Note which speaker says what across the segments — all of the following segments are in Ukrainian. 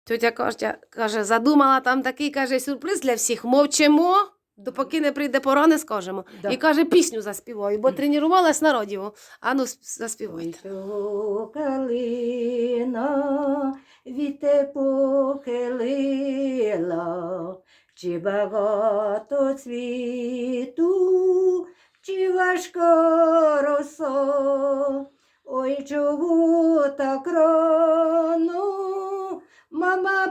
Speaker 1: Тьотя Костя каже, задумала там такий, каже, сюрприз для всіх. Мовчимо, допоки не прийде пора, не скажемо.
Speaker 2: Да.
Speaker 1: І каже, пісню заспіваю, бо тренувалась на радіо. Ану, заспівайте.
Speaker 2: Ой, калина, віте похилила, чи багато цвіту, чи важка роса. Ой, чого так рано мама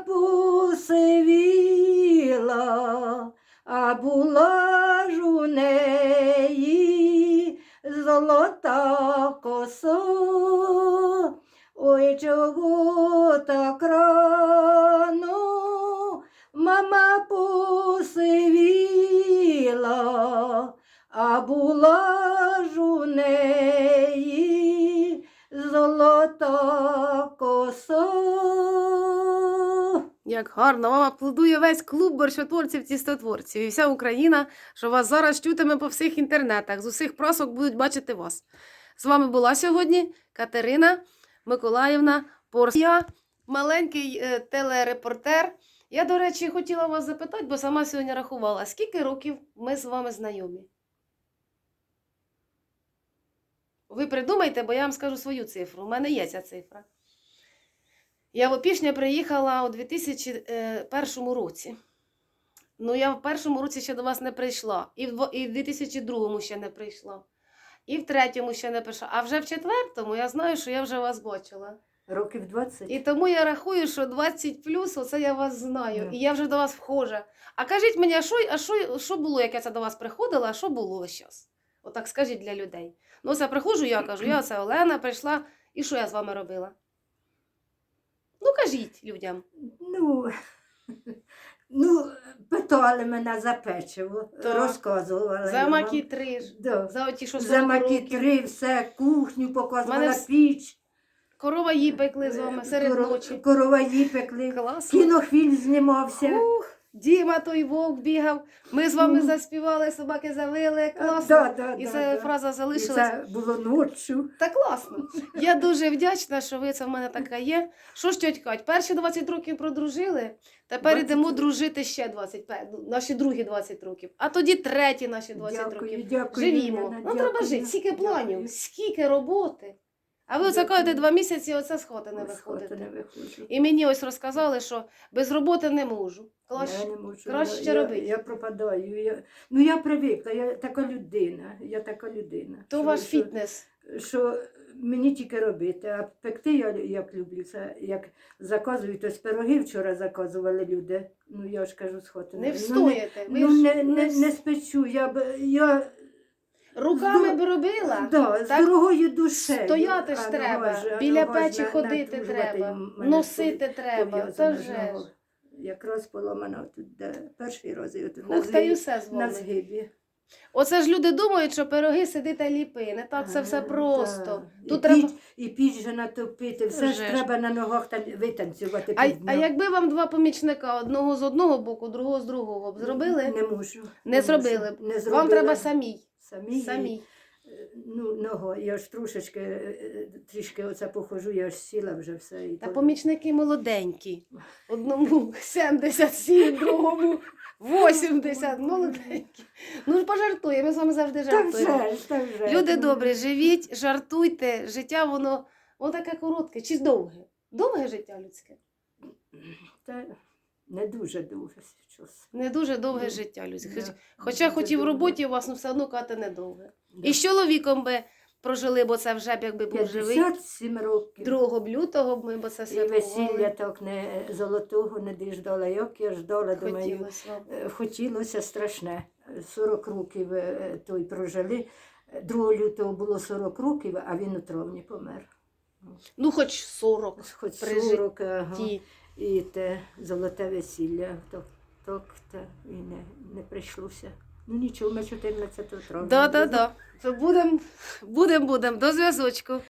Speaker 2: посивіла, а була ж у неї золота коса. Ой, чого так рано мама посивіла, а була ж у неї золота коса.
Speaker 1: Як гарно, вам аплодує весь клуб борщотворців-тістотворців і вся Україна, що вас зараз чутиме по всіх інтернетах, з усіх просок будуть бачити вас. З вами була сьогодні Катерина Миколаївна Порс. Я маленький телерепортер. Я, до речі, хотіла вас запитати, бо сама сьогодні рахувала, скільки років ми з вами знайомі? Ви придумайте, бо я вам скажу свою цифру. У мене є ця цифра. Я в Опішня приїхала у 2001 році. Ну, я в першому році ще до вас не прийшла. І в 2002 ще не прийшла. І в третьому ще не прийшла. А вже в четвертому я знаю, що я вже вас бачила.
Speaker 2: Років 20.
Speaker 1: І тому я рахую, що 20 плюс, оце я вас знаю. І я вже до вас вхожа. А кажіть мені, що було, як я це до вас приходила, а що було зараз? Отак скажіть для людей. Ну, це приходжу, я кажу, я це Олена прийшла, і що я з вами робила? Ну, кажіть людям.
Speaker 2: Ну, питали мене за печиво,
Speaker 1: Так.
Speaker 2: розказувала.
Speaker 1: За
Speaker 2: я вам.
Speaker 1: макітри,
Speaker 2: Да.
Speaker 1: за оті, що
Speaker 2: За
Speaker 1: 40 років.
Speaker 2: макітри, все, кухню показувала,
Speaker 1: Мене
Speaker 2: піч.
Speaker 1: Корова її пекли з вами серед ночі.
Speaker 2: Короваї пекли.
Speaker 1: Класно.
Speaker 2: Кінофільм знімався.
Speaker 1: Ух, Діма той вовк бігав, ми з вами заспівали, собаки завили, класно. І ця фраза
Speaker 2: І
Speaker 1: залишилася.
Speaker 2: це було ночі.
Speaker 1: Та класно. Я дуже вдячна, що ви це в мене така є. Що ж, тьоть Кать, перші 20 років продружили, тепер
Speaker 2: 20
Speaker 1: йдемо дружити ще 25, наші другі 20 років, а тоді треті наші 20
Speaker 2: Дякую,
Speaker 1: років.
Speaker 2: дякую.
Speaker 1: Живімо.
Speaker 2: Ірина,
Speaker 1: Ну треба
Speaker 2: дякую,
Speaker 1: жити, скільки
Speaker 2: дякую.
Speaker 1: планів, скільки роботи. А ви оце
Speaker 2: Дякую.
Speaker 1: кажете 2 місяці, оце з хати не
Speaker 2: З хати
Speaker 1: виходите.
Speaker 2: не виходжу.
Speaker 1: І мені ось розказали, що без роботи не можу.
Speaker 2: Я не можу.
Speaker 1: краще робити.
Speaker 2: Я пропадаю. Я привикла, я така людина.
Speaker 1: То
Speaker 2: Що-
Speaker 1: ваш
Speaker 2: що-
Speaker 1: фітнес.
Speaker 2: Що мені тільки робити, а пекти я як люблю. Це як заказують, ось пироги вчора заказували люди. Ну я ж кажу, з хати.
Speaker 1: Не встоїте. Ви
Speaker 2: Ну,
Speaker 1: ж
Speaker 2: не спечу. Я
Speaker 1: руками б робила.
Speaker 2: да, з
Speaker 1: так
Speaker 2: дорогою душею.
Speaker 1: Стояти ж
Speaker 2: А
Speaker 1: треба,
Speaker 2: нога ж-
Speaker 1: біля
Speaker 2: нога ж
Speaker 1: печі ходити
Speaker 2: натружувати
Speaker 1: треба,
Speaker 2: мене
Speaker 1: носити треба.
Speaker 2: пов'язана
Speaker 1: Та
Speaker 2: ж
Speaker 1: же
Speaker 2: нога.
Speaker 1: ж.
Speaker 2: Якраз поламана тут, де перший раз, і отут
Speaker 1: Ух, та й усе з
Speaker 2: на
Speaker 1: вами.
Speaker 2: згибі.
Speaker 1: Оце ж люди думають, що пироги сиди та ліпи. Не так це все просто.
Speaker 2: Да.
Speaker 1: Тут
Speaker 2: і
Speaker 1: треба...
Speaker 2: піч же натопити, все
Speaker 1: Вже
Speaker 2: ж
Speaker 1: ж.
Speaker 2: треба на ногах там витанцювати.
Speaker 1: А
Speaker 2: півдня.
Speaker 1: якби вам 2 помічника, одного з одного боку, другого з другого б зробили?
Speaker 2: Не можу.
Speaker 1: Не зробили б.
Speaker 2: Не
Speaker 1: Вам
Speaker 2: зробила.
Speaker 1: треба самій.
Speaker 2: Самі.
Speaker 1: Самій.
Speaker 2: Ну, ногою. Я ж трошечки, трішки оце похожу, я ж сіла вже все. І
Speaker 1: Та
Speaker 2: то-
Speaker 1: помічники молоденькі. Одному 77, другому 80. Молоденькі. Ну ж пожартуємо, ми з вами завжди
Speaker 2: Та
Speaker 1: жартуємо.
Speaker 2: вже ж, та вже.
Speaker 1: Люди
Speaker 2: Ну,
Speaker 1: добрі, живіть, жартуйте. Життя воно таке коротке чи довге? Довге життя людське?
Speaker 2: Та не дуже довго щось.
Speaker 1: Не дуже довге
Speaker 2: Ну,
Speaker 1: життя людське.
Speaker 2: да,
Speaker 1: Хоча
Speaker 2: дуже
Speaker 1: хоч і в
Speaker 2: довго.
Speaker 1: роботі у вас, ну все одно кати недовге.
Speaker 2: Да.
Speaker 1: І з чоловіком би прожили, бо це вже б якби був живий.
Speaker 2: 57 років.
Speaker 1: 2 лютого б ми бо це
Speaker 2: І
Speaker 1: святкували.
Speaker 2: весілля так не золотого не діждала. Як я ждала, думаю,
Speaker 1: Хотілося вам.
Speaker 2: хотілося страшне. 40 років той прожили. 2 лютого було 40 років, а він у травні помер.
Speaker 1: Ну хоч 40
Speaker 2: Хоч
Speaker 1: при
Speaker 2: 40, ага.
Speaker 1: житті.
Speaker 2: І те золоте весілля. Так, і не прийшлося. Ну нічого, ми 14 травня.
Speaker 1: Да. Будем. До зв'язочку.